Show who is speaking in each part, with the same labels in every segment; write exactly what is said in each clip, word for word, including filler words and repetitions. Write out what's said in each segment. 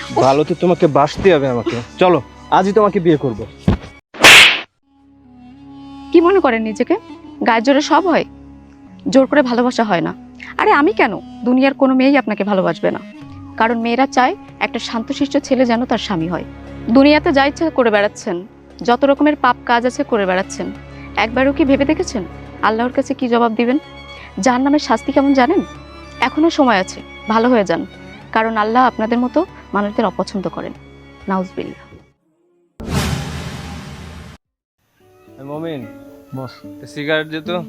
Speaker 1: ভালো তো তোমাকে বাসতে হবে আমাকে। চলো আজই তোমাকে বিয়ে করব।
Speaker 2: কি মনে করেন নিজেকে? গায়ের জোরে সব হয়? জোর করে ভালোবাসা হয় না। আরে আমি কেন, দুনিয়ার কোনো মেয়েই আপনাকে ভালোবাসবে না। কারণ মেয়েরা চায় একটা শান্তশিষ্ট ছেলে যেন তার স্বামী হয়। দুনিয়াতে যা ইচ্ছা করে বেড়াচ্ছেন, যত রকমের পাপ কাজ আছে করে বেড়াচ্ছেন, একবারও কি ভেবে দেখেছেন আল্লাহর কাছে কি জবাব দিবেন? জাহান্নামের শাস্তি কেমন জানেন? এখনো সময় আছে, ভালো হয়ে যান, কারণ আল্লাহ আপনাদের মতো মানুষদের অপছন্দ করেন। নাউজুবিল্লাহ।
Speaker 1: মমিন বস, সিগারেট দে তো।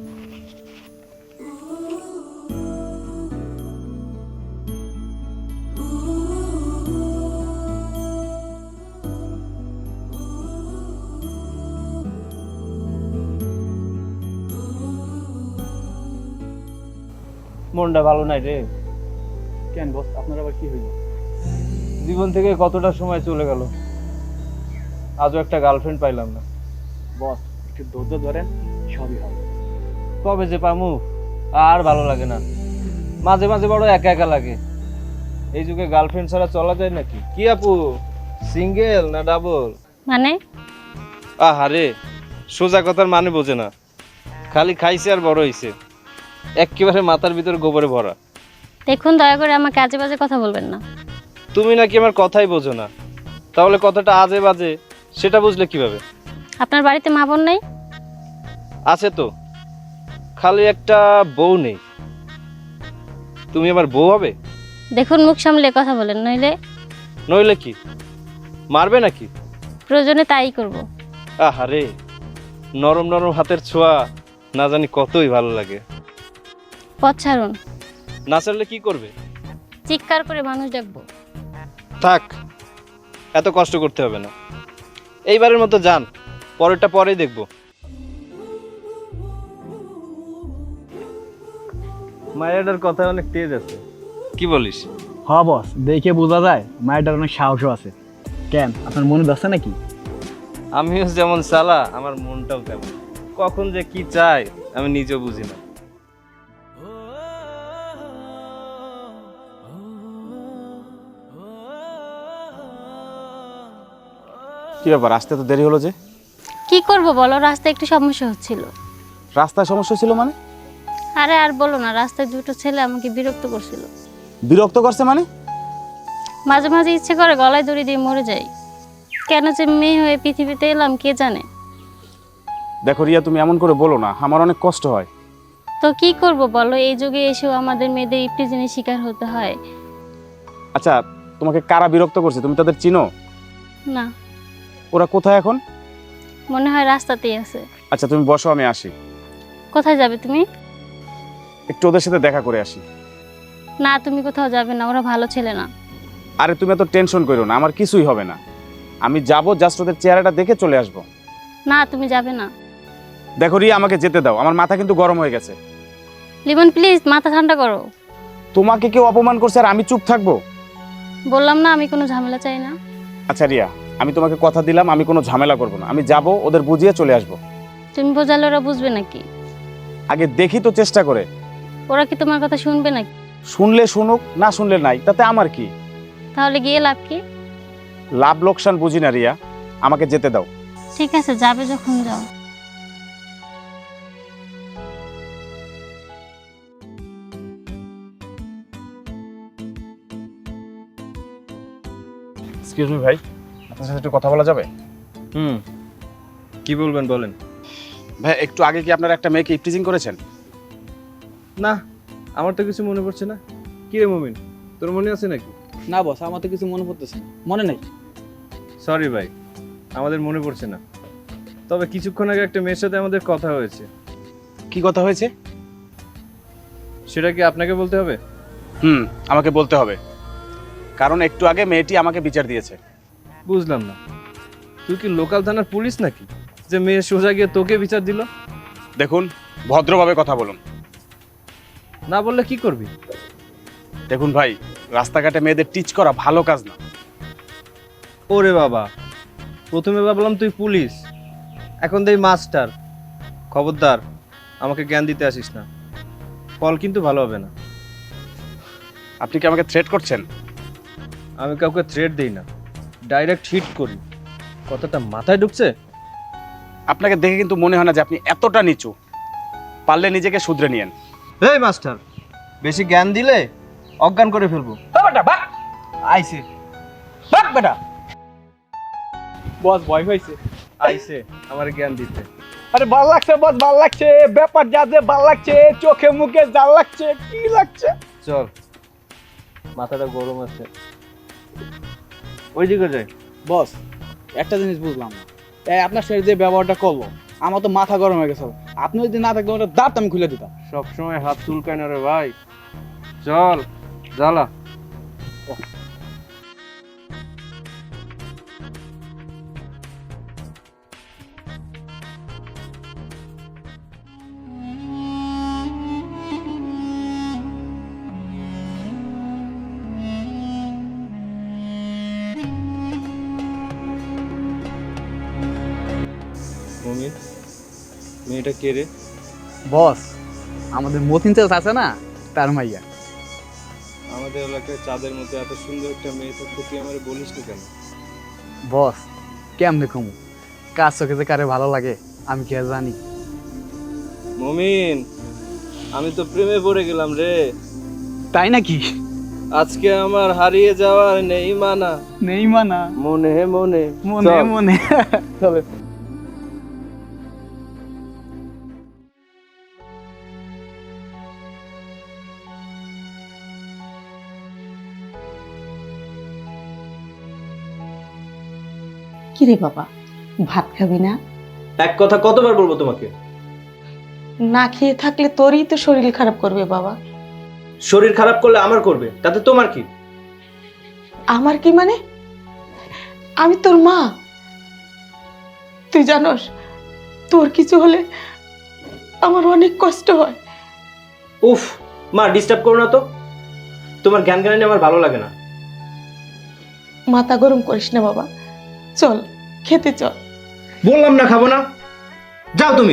Speaker 1: মনটা ভালো নাই রে।
Speaker 3: কেন বস, আপনার আবার কি হইল?
Speaker 1: জীবন থেকে কতটা সময় চলে গেল, আজও একটা গার্লফ্রেন্ড পাইলাম না।
Speaker 3: বস একটু ধৈর্য ধরেন, সবই হবে।
Speaker 1: কবে যে পামু, আর ভালো লাগে না। মাঝে মাঝে বড় একা একা লাগে। এই যুগে গার্লফ্রেন্ড ছাড়া চলা যায় নাকি? কি আপু, সিঙ্গেল না ডাবল?
Speaker 4: মানে
Speaker 1: আহারে, সোজা কথার মানে বোঝে না। খালি খাইছে আর বড় হইছে, একেবারে মাথার ভিতর গোবরে ভরা।
Speaker 4: দেখুন, দয়া করে আমাকে আজে বাজে কথা বলবেন না।
Speaker 1: তুমি নাকি আমার কথাই বোঝো না, তাহলে কথাটা আজে বাজে সেটা বুঝলে কিভাবে?
Speaker 4: আপনার বাড়িতে মা বোন নেই?
Speaker 1: আছে তো, খালি একটা বউ নেই। তুমি আমার বউ হবে?
Speaker 4: দেখুন, মুখ সামলে কথা বলেন, নইলে
Speaker 1: নইলে কি, মারবে নাকি?
Speaker 4: প্রয়োজনে তাই করব।
Speaker 1: আহারে, নরম নরম হাতের ছোঁয়া না জানি কতই ভালো লাগে।
Speaker 4: পথ ছাড়ুন।
Speaker 1: না ছাড়লে কি করবে?
Speaker 4: চিৎকার করে মানুষ ডাকবো।
Speaker 1: থাক, এত কষ্ট করতে হবে না। এইবারের মতো যান, পরেরটা পরেই দেখবো। মায়ের কথা অনেক তেজ আছে, কি বলিস?
Speaker 3: হ বস, দেখে বোঝা যায় মায়েরটার অনেক সাহসও আছে। কেন, আপনার মনে ধরছে নাকি?
Speaker 1: আমিও যেমন সালা, আমার মনটাও তেমন। কখন যে কি চাই আমি নিজেও বুঝি না।
Speaker 5: কি ব্যাপার, আসতে তো দেরি হলো যে?
Speaker 4: কি করব বলো, রাস্তায় একটু সমস্যা হচ্ছিল।
Speaker 5: রাস্তায় সমস্যা ছিল মানে?
Speaker 4: আরে আর বলো না, রাস্তায় দুটো ছেলে আমাকে বিরক্ত করছিল।
Speaker 5: বিরক্ত করছে মানে?
Speaker 4: মাঝে মাঝে ইচ্ছে করে গলায় দড়ি দিয়ে মরে যাই। কেন যে মেয়ে হয়ে পৃথিবীতে এলাম কে জানে।
Speaker 5: দেখো রিয়া, তুমি এমন করে বলো না, আমার অনেক কষ্ট হয়।
Speaker 4: তো কি করব বলো, এই যুগে এসেও আমাদের মেয়েদের ইপটিজিনের শিকার হতে হয়।
Speaker 5: আচ্ছা, তোমাকে কারা বিরক্ত করছে, তুমি তাদের চিনো?
Speaker 4: না,
Speaker 5: ওরা কোথায় এখন?
Speaker 4: মনে হয় রাস্তাতেই আছে।
Speaker 5: আচ্ছা তুমি বসো, আমি আসি।
Speaker 4: কোথায় যাবে তুমি?
Speaker 5: একটু ওদের সাথে দেখা করে আসি।
Speaker 4: না, তুমি কোথাও যাবে না, ওরা ভালো ছেলে না।
Speaker 5: আরে তুমি এত টেনশন করো না, আমার কিছুই হবে না। আমি যাবো, জাস্ট ওদের চেহারাটা দেখে চলে আসবো।
Speaker 4: না, তুমি যাবে না।
Speaker 5: দেখো রিয়া, আমাকে যেতে দাও, আমার মাথা কিন্তু গরম হয়ে গেছে।
Speaker 4: লিমন প্লিজ, মাথা ঠান্ডা করো।
Speaker 5: তোমাকে কেউ অপমান করছে আর আমি চুপ থাকবো?
Speaker 4: বললাম না আমি কোনো ঝামেলা চাই না।
Speaker 5: আচ্ছা রিয়া, আমি তোমাকে কথা দিলাম আমি কোনো ঝামেলা করবো না। আমি যাবো, ওদের বুঝিয়ে চলে আসবো।
Speaker 4: তুমি বোঝালে ওরা বুঝবে নাকি?
Speaker 5: আগে দেখি তো চেষ্টা করে।
Speaker 4: ওরা কি তোমার কথা শুনবে নাকি?
Speaker 5: শুনলে শুনুক, না শুনলে নাই, তাতে আমার কি?
Speaker 4: তাহলে গিয়ে লাভ কি?
Speaker 5: লাভ লোকসান বুঝি না রিয়া, আমাকে যেতে দাও।
Speaker 4: ঠিক আছে, যাবে যখন যাও।
Speaker 5: এক্সকিউজ মি ভাই, আপনার সাথে একটু কথা বলা যাবে?
Speaker 1: হুম, কি বলবেন বলেন।
Speaker 5: ভাই, একটু আগে কি আপনারা একটা মেয়েকে ইপটিজিং করেছেন?
Speaker 1: না, আমার তো কিছু মনে পড়ছে না। কি রে মমিন, তোর মনে আছে নাকি?
Speaker 3: না বস, আমার তো কিছু মনে পড়তেছে না, মনে নাই।
Speaker 1: সরি ভাই, আমাদের মনে পড়ছে না। তবে কিছুক্ষণ আগে একটা মেয়ের সাথে আমাদের কথা হয়েছে।
Speaker 5: কি কথা হয়েছে?
Speaker 1: সেটা কি আপনাকে বলতে হবে?
Speaker 5: হুম, আমাকে বলতে হবে, কারণ একটু আগে মেয়েটি আমাকে বিচার দিয়েছে।
Speaker 1: বুঝলাম না, তুই কি লোকাল থানার পুলিশ নাকি যে মেয়ে সোজা গিয়ে তোকে বিচার দিল?
Speaker 5: দেখুন, ভদ্রভাবে কথা বলুন।
Speaker 1: না বললে কি করবি?
Speaker 5: দেখুন ভাই, রাস্তাঘাটে মেয়েদের টিচ করা ভালো কাজ না।
Speaker 1: ওরে বাবা, প্রথমে ভাবলাম তুই পুলিশ, এখন দেই মাস্টার। খবরদার, আমাকে জ্ঞান দিতে আসিস না, ফল কিন্তু ভালো হবে না।
Speaker 5: আপনি কি আমাকে থ্রেট করছেন?
Speaker 1: আমি কাউকে থ্রেট দিই না, ডাইরেক্ট হিট করি। কথাটা মাথায় ঢুকছে?
Speaker 5: আপনাকে দেখে কিন্তু মনে হয় না যে আপনি এতটা নিচু। পারলে নিজেকে শুধরে নিয়েন।
Speaker 1: এই মাস্টার, বেশি জ্ঞান দিলে অজ্ঞান করে ফেলবো।
Speaker 3: বেটা বাক আইছে, বাক বেটা। বস ভয় হয়েছে।
Speaker 1: আইছে আমার জ্ঞান দিতে।
Speaker 3: আরে ভাল লাগছে বস, ভাল লাগছে, ব্যাপার যা যে ভাল লাগছে, চোখে মুখে জাল লাগছে, কি লাগছে?
Speaker 1: চল, মাথাটা গরম আছে, ওইদিকে যাই।
Speaker 3: বস একটা জিনিস বুঝলাম না, এই আপনার সাথে যে ব্যবহারটা করলো আমার তো মাথা গরম হয়ে গেছে। আপনি যদি না থাকতেন ওটা দাঁত আমি খুলে দিতাম।
Speaker 1: সবসময় হাত চুলকায় না রে ভাই। চল জ্বালা। মমিন, মেয়েটা কে রে?
Speaker 3: বস আমাদের মতিন চাষ আছে না, তার মাইয়া।
Speaker 1: আমাদের এলাকায় চাঁদের মধ্যে এত সুন্দর একটা মেয়ে থাকতে তুই আমারে বলিস না কেন?
Speaker 3: বস কেমনে কমু, কার চোখে যে কারে ভালো লাগে আমি কি আর জানি।
Speaker 1: মমিন, আমি তো প্রেমে পড়ে গেলাম রে।
Speaker 3: তাই নাকি?
Speaker 1: আজকে আমার হারিয়ে যাওয়ার নেই মানা,
Speaker 3: নেই মানা,
Speaker 1: মনে মনে
Speaker 3: মনে
Speaker 1: চল।
Speaker 3: মনে। চলে
Speaker 6: কিরে বাবা, ভাত খাবি না?
Speaker 1: এক কথা কতবার বলবো তোমাকে?
Speaker 6: না খেয়ে থাকলে তোরই তো শরীর খারাপ করবে বাবা।
Speaker 1: শরীর খারাপ করলে আমার করবে, তাতে তোমার কি?
Speaker 6: আমার কি মানে? আমি তোর মা, তুই জানোস তোর কিছু হলে আমার অনেক কষ্ট হয়।
Speaker 1: উফ মা, ডিস্টার্ব করো না তো। তোমার জ্ঞান জ্ঞানী আমার ভালো লাগে না।
Speaker 6: মাথা গরম করিস না বাবা, চল খেতে চল।
Speaker 1: বললাম না খাবো না, যাও তুমি।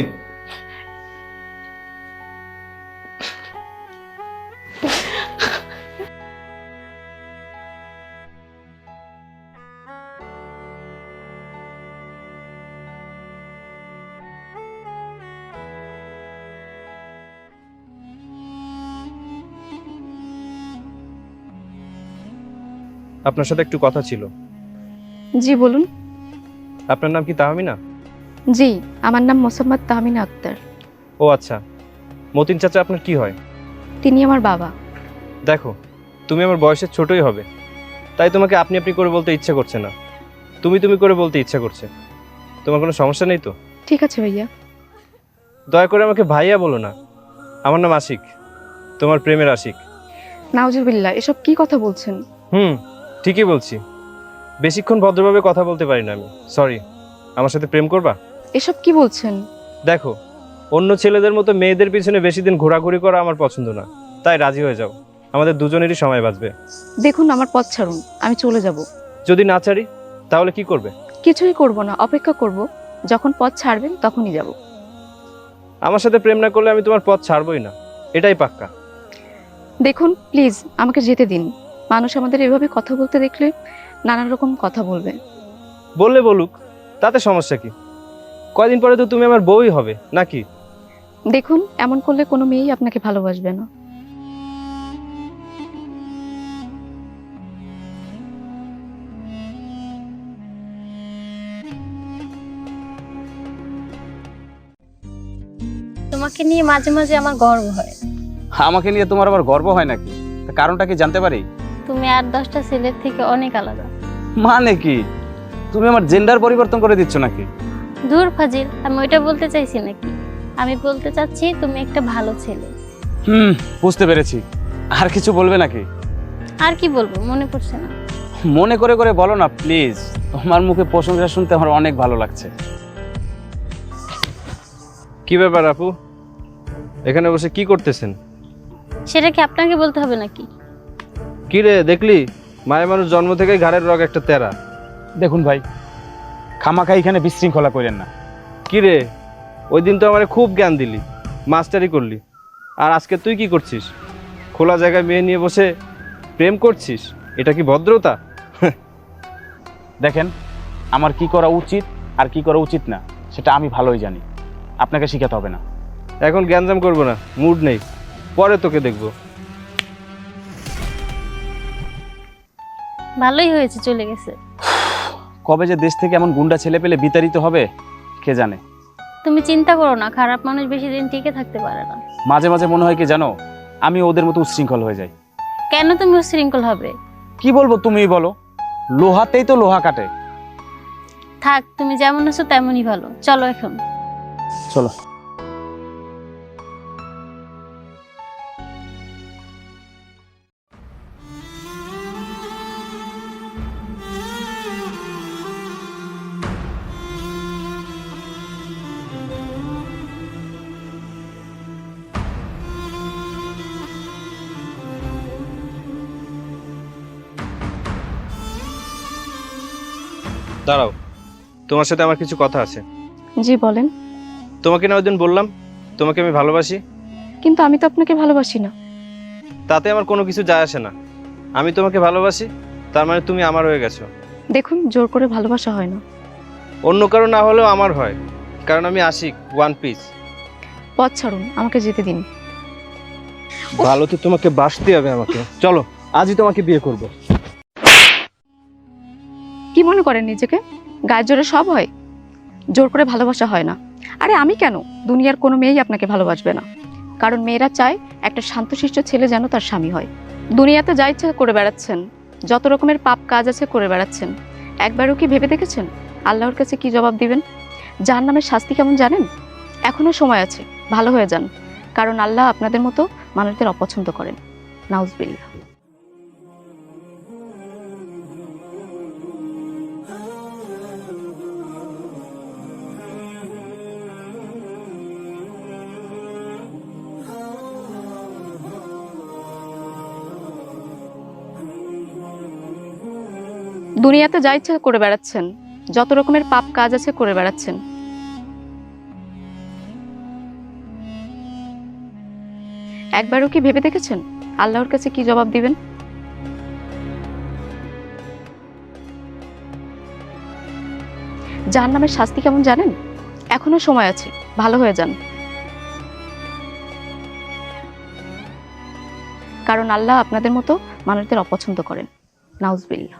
Speaker 1: আপনার সাথে একটু কথা ছিল।
Speaker 2: জি বলুন।
Speaker 1: আপনার নাম কি তাহমিনা?
Speaker 2: জি, আমার নাম মোসাম্মদ তাহমিনা আক্তার।
Speaker 1: ও আচ্ছা, মতিন চাচা আপনার কি হয়?
Speaker 2: তিনি আমার বাবা।
Speaker 1: দেখো, তুমি আমার বয়সের ছোটই হবে, তাই তোমাকে আপনি আপনি করে বলতে ইচ্ছে করছে না, তুমি তুমি করে বলতে ইচ্ছা করছে। তোমার কোনো সমস্যা নেই তো?
Speaker 2: ঠিক আছে ভাইয়া।
Speaker 1: দয়া করে আমাকে ভাইয়া বলো না। আমার নাম আশিক, তোমার প্রেমের আশিক।
Speaker 2: নাউজুবিল্লাহ, এসব কি কথা বলছেন?
Speaker 1: হুম, ঠিকই বলছি। বেশিক্ষণ ভদ্রভাবে কথা বলতে পারি না আমি, সরি। আমার সাথে প্রেম করবা?
Speaker 2: এসব কি বলছেন?
Speaker 1: দেখো, অন্য ছেলেদের মতো মেয়েদের পিছনে বেশি দিন ঘোরাঘুরি করা আমার পছন্দ না, তাই রাজি হয়ে যাও, আমাদের দুজনেরই সময় বাঁচবে।
Speaker 2: দেখুন, আমার পথ ছাড়ুন, আমি চলে যাব।
Speaker 1: যদি না ছাড়ি তাহলে কি করবে?
Speaker 2: কিছুই করব না, অপেক্ষা করব, যখন পথ ছাড়বেন তখনই যাব।
Speaker 1: আমার সাথে প্রেম না করলে আমি তোমার পথ ছাড়বই না, এটাই পাক্কা।
Speaker 2: দেখুন প্লিজ, আমাকে যেতে দিন। মানুষ আমাদের এভাবে কথা বলতে দেখলে নানান রকম কথা বলবে।
Speaker 1: বললে বলুক, তাতে সমস্যা কি? কয়দিন পরে তো তুমি আমার বউই হবে নাকি?
Speaker 2: দেখুন, এমন করলে কোনো মেয়েই আপনাকে ভালোবাসবে না।
Speaker 4: তোমাকে নিয়ে মাঝে মাঝে আমার গর্ব হয়।
Speaker 5: আমাকে নিয়ে তোমার আবার গর্ব হয় নাকি? তা কারণটা কি জানতে পারি?
Speaker 4: তুমি আর দশটা ছেলের থেকে অনেক আলাদা।
Speaker 5: মানে কি, তুমি আমার জেন্ডার পরিবর্তন করে দিচ্ছ নাকি?
Speaker 4: দূর ফাজিল, আমি ওইটা বলতে চাইছি নাকি। আমি বলতে চাচ্ছি তুমি একটা ভালো ছেলে।
Speaker 5: হুম, বুঝতে পেরেছি। আর কিছু বলবে নাকি?
Speaker 4: আর কি বলবো, মনে পড়ছে না।
Speaker 5: মনে করে করে বলো না প্লিজ, তোমার মুখে প্রশংসা শুনতে আমার অনেক ভালো লাগছে।
Speaker 1: কি ব্যাপার আপু, এখানে বসে কি করতেছেন?
Speaker 4: সেটা কি আপনাকে বলতে হবে নাকি?
Speaker 1: কি রে, দেখলি মায়ের মানুষ জন্ম থেকেই ঘাড়ের রগ একটা তেরা।
Speaker 5: দেখুন ভাই, খামাখা এখানে বিশৃঙ্খলা করেন না।
Speaker 1: কি রে, ওই দিন তো আমারে খুব জ্ঞান দিলি, মাস্টারি করলি, আর আজকে তুই কি করছিস? খোলা জায়গায় মেয়ে নিয়ে বসে প্রেম করছিস, এটা কি ভদ্রতা?
Speaker 5: দেখেন, আমার কি করা উচিত আর কি করা উচিত না সেটা আমি ভালোই জানি, আপনাকে শিখাতে হবে না।
Speaker 1: এখন গ্যাঞ্জাম করবো না, মুড নেই, পরে তোকে দেখবো।
Speaker 4: ভালোই হয়েছে চলে গেছে।
Speaker 5: কবে যে দেশ থেকে এমন গুন্ডা ছেলে পেলে বিতাড়িত হবে কে জানে।
Speaker 4: তুমি চিন্তা করো না, খারাপ মানুষ বেশি দিন টিকে থাকতে পারে না।
Speaker 5: মাঝে মাঝে মনে হয় কি জানো, আমি ওদের মতো উচ্ছৃঙ্খল হয়ে যাই।
Speaker 4: কেন তুমি উশৃঙ্খল হবে?
Speaker 5: কি বলবো তুমিই বলো, লোহাতেই তো লোহা কাটে।
Speaker 4: থাক, তুমি যেমন আছো তেমনই ভালো। চলো এখন।
Speaker 5: চলো।
Speaker 1: দাঁড়াও, তোমার সাথে আমার কিছু কথা আছে।
Speaker 2: জি বলেন।
Speaker 1: তোমাকে না ওই দিন বললাম তোমাকে আমি ভালোবাসি,
Speaker 2: কিন্তু আমি তো আপনাকে ভালোবাসি না।
Speaker 1: তাতে আমার কোনো কিছু যায় আসে না। আমি তোমাকে ভালোবাসি, তার মানে তুমি আমার হয়ে গেছো।
Speaker 2: দেখুন, জোর করে ভালোবাসা হয় না।
Speaker 1: অন্য কারো না হলেও আমার হয়, কারণ আমি আশিক, ওয়ান পিস।
Speaker 2: পথ ছাড়ুন, আমাকে যেতে দিন।
Speaker 1: ভালো তো তোমাকে বাসতে হবে আমাকে। চলো, আজই তোমাকে বিয়ে করব।
Speaker 2: কি মনে করেন নিজেকে? গায়ের জোরে সব হয়? জোর করে ভালোবাসা হয় না। আরে আমি কেন, দুনিয়ার কোনো মেয়েই আপনাকে ভালোবাসবে না। কারণ মেয়েরা চায় একটা শান্তশিষ্ট ছেলে যেন তার স্বামী হয়। দুনিয়াতে যা ইচ্ছা করে বেড়াচ্ছেন, যত রকমের পাপ কাজ আছে করে বেড়াচ্ছেন। একবারও কি ভেবে দেখেছেন আল্লাহর কাছে কি জবাব দিবেন? জাহান্নামের শাস্তি কেমন জানেন? এখনো সময় আছে, ভালো হয়ে যান। কারণ আল্লাহ আপনাদের মতো মানুষদের অপছন্দ করেন। নাউজুবিল্লাহ। দুনিয়াতে যা ইচ্ছা করে বেড়াচ্ছেন, যত রকমের পাপ কাজ আছে করে বেড়াচ্ছেন। একবারও কি ভেবে দেখেছেন আল্লাহর কাছে কি জবাব দিবেন? জাহান্নামের শাস্তি কেমন জানেন? এখনো সময় আছে, ভালো হয়ে যান। কারণ আল্লাহ আপনাদের মতো মানুষদের অপছন্দ করেন। নাউজুবিল্লাহ।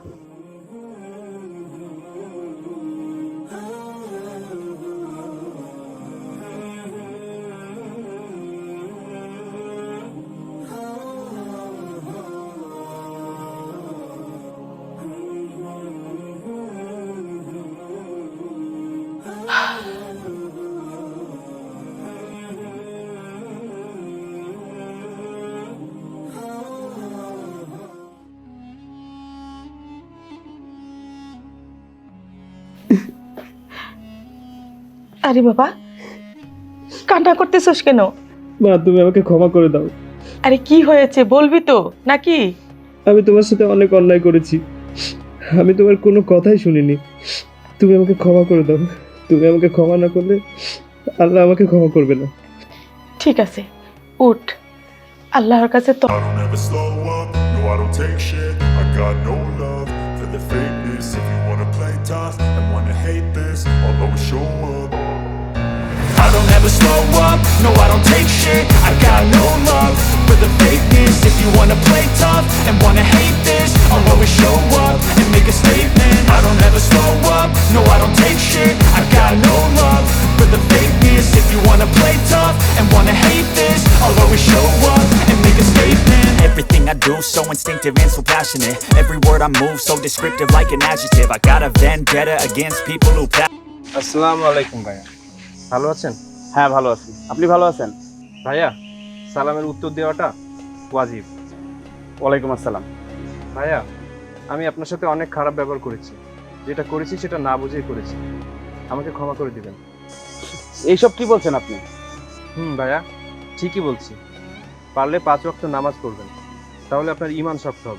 Speaker 6: আরে বাবা, কান্না করতেছস কেন?
Speaker 7: মা, তুমি আমাকে ক্ষমা করে দাও।
Speaker 6: আরে কি হয়েছে বলবি তো নাকি?
Speaker 7: আমি তোমার সাথে অনেক অন্যায় করেছি, আমি তোমার কোনো কথাই শুনিনি। তুমি আমাকে ক্ষমা করে দাও। তুমি আমাকে ক্ষমা না করলে আল্লাহ আমাকে ক্ষমা করবে না।
Speaker 6: ঠিক আছে, উঠ। আল্লাহর কাছে তো
Speaker 8: I don't ever slow up, no I don't take shit. I got no love for the fakeness. If you wanna play tough and wanna hate this, I'll always show up. I don't ever slow up, no I don't take shit. I got no love for the fakeness. If you wanna play tough and wanna hate this, I'll always show up and make a statement. I don't ever slow up, no I don't take shit. I got no love for the fakeness. If you wanna play tough and wanna hate this, I'll always show up and make a statement.
Speaker 9: Everything I do so instinctive and so passionate. Every word I move so descriptive like an adjective. I got a vendetta against people who pa-
Speaker 1: আসসালামু আলাইকুম ভাইয়া, ভালো আছেন?
Speaker 5: হ্যাঁ ভালো আছি, আপনি ভালো আছেন?
Speaker 1: ভাইয়া, সালামের উত্তর দেওয়াটা ওয়াজিব।
Speaker 5: ওয়ালাইকুম আসসালাম।
Speaker 1: ভাইয়া, আমি আপনার সাথে অনেক খারাপ ব্যবহার করেছি, যেটা করেছি সেটা না বুঝেই করেছি, আমাকে ক্ষমা করে দিবেন।
Speaker 5: এইসব কি বলছেন আপনি?
Speaker 1: হুম ভাইয়া, ঠিকই বলছি। পারলে পাঁচ ওয়াক্ত নামাজ পড়বেন, তাহলে আপনার ঈমান শক্ত হবে।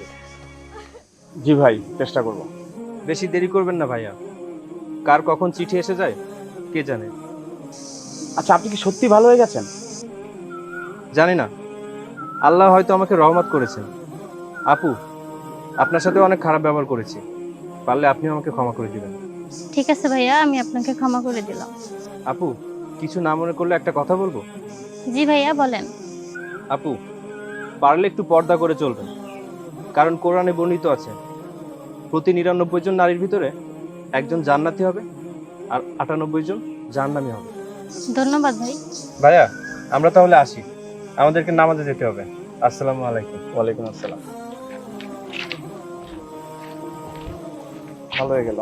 Speaker 5: জি ভাই, চেষ্টা করব।
Speaker 1: বেশি দেরি করবেন না ভাইয়া, কার কখন চিঠি এসে যায় কে জানে।
Speaker 5: আচ্ছা, আপনি কি সত্যি ভালো হয়ে গেছেন?
Speaker 1: জানি না, আল্লাহ হয়তো আমাকে রহমত করেছেন। আপু, আপনার সাথে অনেক খারাপ ব্যবহার করেছি, পারলে আপনিও আমাকে ক্ষমা করে দিবেন।
Speaker 4: ঠিক আছে ভাইয়া, আমি আপনাকে ক্ষমা করে দিলাম।
Speaker 1: আপু, কিছু না মনে করলে একটা কথা বলবো?
Speaker 4: জি ভাইয়া, বলেন।
Speaker 1: আপু, পারলে একটু পর্দা করে চলবেন, কারণ কোরআনে বর্ণিত আছে প্রতি নিরানব্বই জন নারীর ভিতরে একজন জান্নাতি হবে আর আটানব্বই জন জাহান্নামী হবে।
Speaker 4: ধন্যবাদ ভাই।
Speaker 1: ভাইয়া, আমরা তাহলে আসি, আমাদেরকে নামাজে যেতে হবে। আসসালামু আলাইকুম।
Speaker 3: ওয়ালাইকুম আসসালাম। ভালো হয়ে গেল।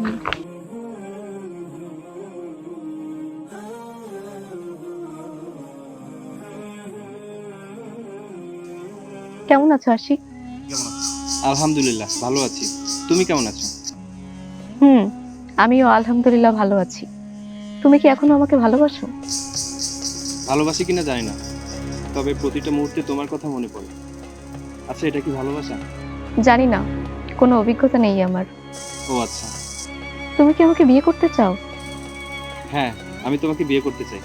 Speaker 2: কেমন আছো আশিক?
Speaker 1: আলহামদুলিল্লাহ ভালো আছি, তুমি কেমন আছো?
Speaker 2: হুম, আমিও আলহামদুলিল্লাহ ভালো আছি। তুমি কি এখনো আমাকে ভালোবাসো?
Speaker 1: ভালোবাসি কিনা জানি না, তবে প্রতিটা মুহূর্তে তোমার কথা মনে পড়ে। আচ্ছা, এটা কি ভালোবাসা?
Speaker 2: জানি না, কোনো অভিজ্ঞতা নেই আমার।
Speaker 1: ও আচ্ছা।
Speaker 2: তুমি কি আমাকে বিয়ে করতে চাও?
Speaker 1: হ্যাঁ, আমি তোমাকে বিয়ে করতে চাই।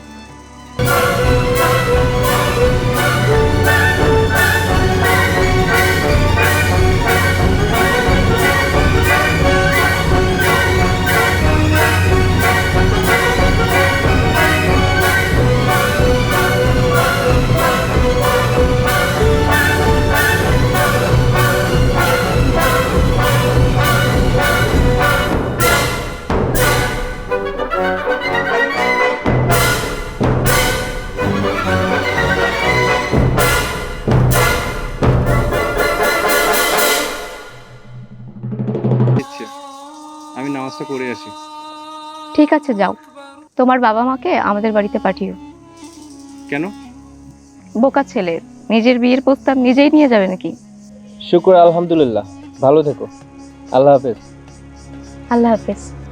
Speaker 1: ইচ্ছে, আমি নামাজটা করে আসি।
Speaker 2: ঠিক আছে, যাও। তোমার বাবা মাকে আমাদের বাড়িতে পাঠিও।
Speaker 1: কেন?
Speaker 2: বোকা ছেলে, নিজের বিয়ের প্রস্তাব নিজেই নিয়ে যাবে নাকি?
Speaker 1: শুকর আলহামদুলিল্লাহ, ভালো থেকো। আল্লাহ হাফেজ।
Speaker 2: আল্লাহ হাফেজ।